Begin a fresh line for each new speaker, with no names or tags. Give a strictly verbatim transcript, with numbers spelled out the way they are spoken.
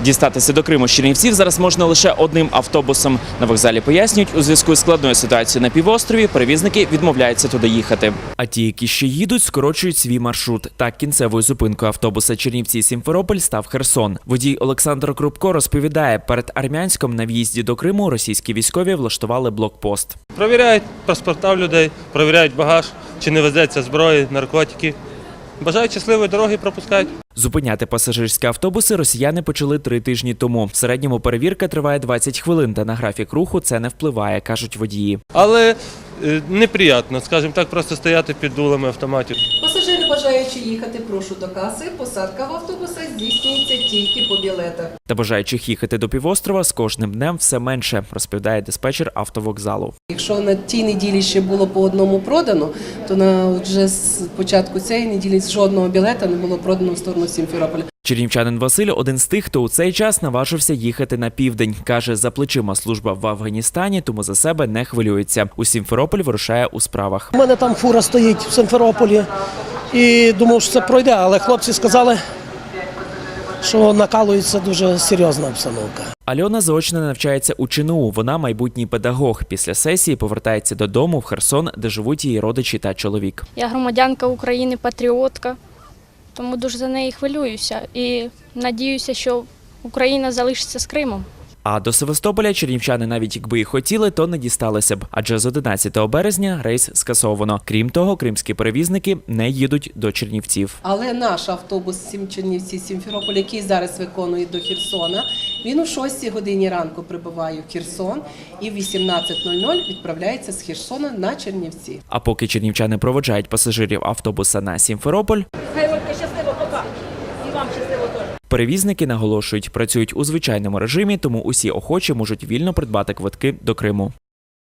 Дістатися до Криму з Чернівців зараз можна лише одним автобусом. На вокзалі пояснюють, у зв'язку з складною ситуацією на півострові перевізники відмовляються туди їхати. А ті, які ще їдуть, скорочують свій маршрут. Так, кінцевою зупинкою автобуса Чернівці-Сімферополь став Херсон. Водій Олександр Крупко розповідає, перед Армянськом на в'їзді до Криму російські військові влаштували блокпост.
Провіряють паспорта людей, провіряють багаж, чи не везеться зброї, наркотики. Бажають щасливої дороги, пропускають.
Зупиняти пасажирські автобуси росіяни почали три тижні тому. В середньому перевірка триває двадцять хвилин, та на графік руху це не впливає, кажуть водії.
Але е, неприємно, скажімо так, просто стояти під дулами автоматів.
Пасажири, бажаючи їхати, прошу до каси. Посадка в автобуса здійснюється тільки по білетах.
Та бажаючих їхати до півострова з кожним днем все менше, розповідає диспетчер автовокзалу.
Якщо на тій неділі ще було по одному продано, то на вже з початку цієї неділі жодного білета не було продано в сторону Сімферополя.
Чернівчанин Василь – один з тих, хто у цей час наважився їхати на південь. Каже, за плечима служба в Афганістані, тому за себе не хвилюється. У Сімферополь вирушає у справах.
У мене там фура стоїть в Сімферополі і думав, що це пройде, але хлопці сказали, що накалується дуже серйозна обстановка.
Альона заочно навчається у ЧНУ. Вона майбутній педагог. Після сесії повертається додому в Херсон, де живуть її родичі та чоловік.
Я громадянка України, патріотка, тому дуже за неї хвилююся і надіюся, що Україна залишиться з Кримом.
А до Севастополя чернівчани, навіть якби і хотіли, то не дісталися б. Адже з одинадцятого березня рейс скасовано. Крім того, кримські перевізники не їдуть до Чернівців.
Але наш автобус Чернівці-Сімферополь, який зараз виконує до Херсона, він у шостій годині ранку прибуває в Херсон і в вісімнадцять нуль нуль відправляється з Херсона на Чернівці.
А поки чернівчани проводжають пасажирів автобуса на Сімферополь, перевізники наголошують, працюють у звичайному режимі, тому усі охочі можуть вільно придбати квитки до Криму.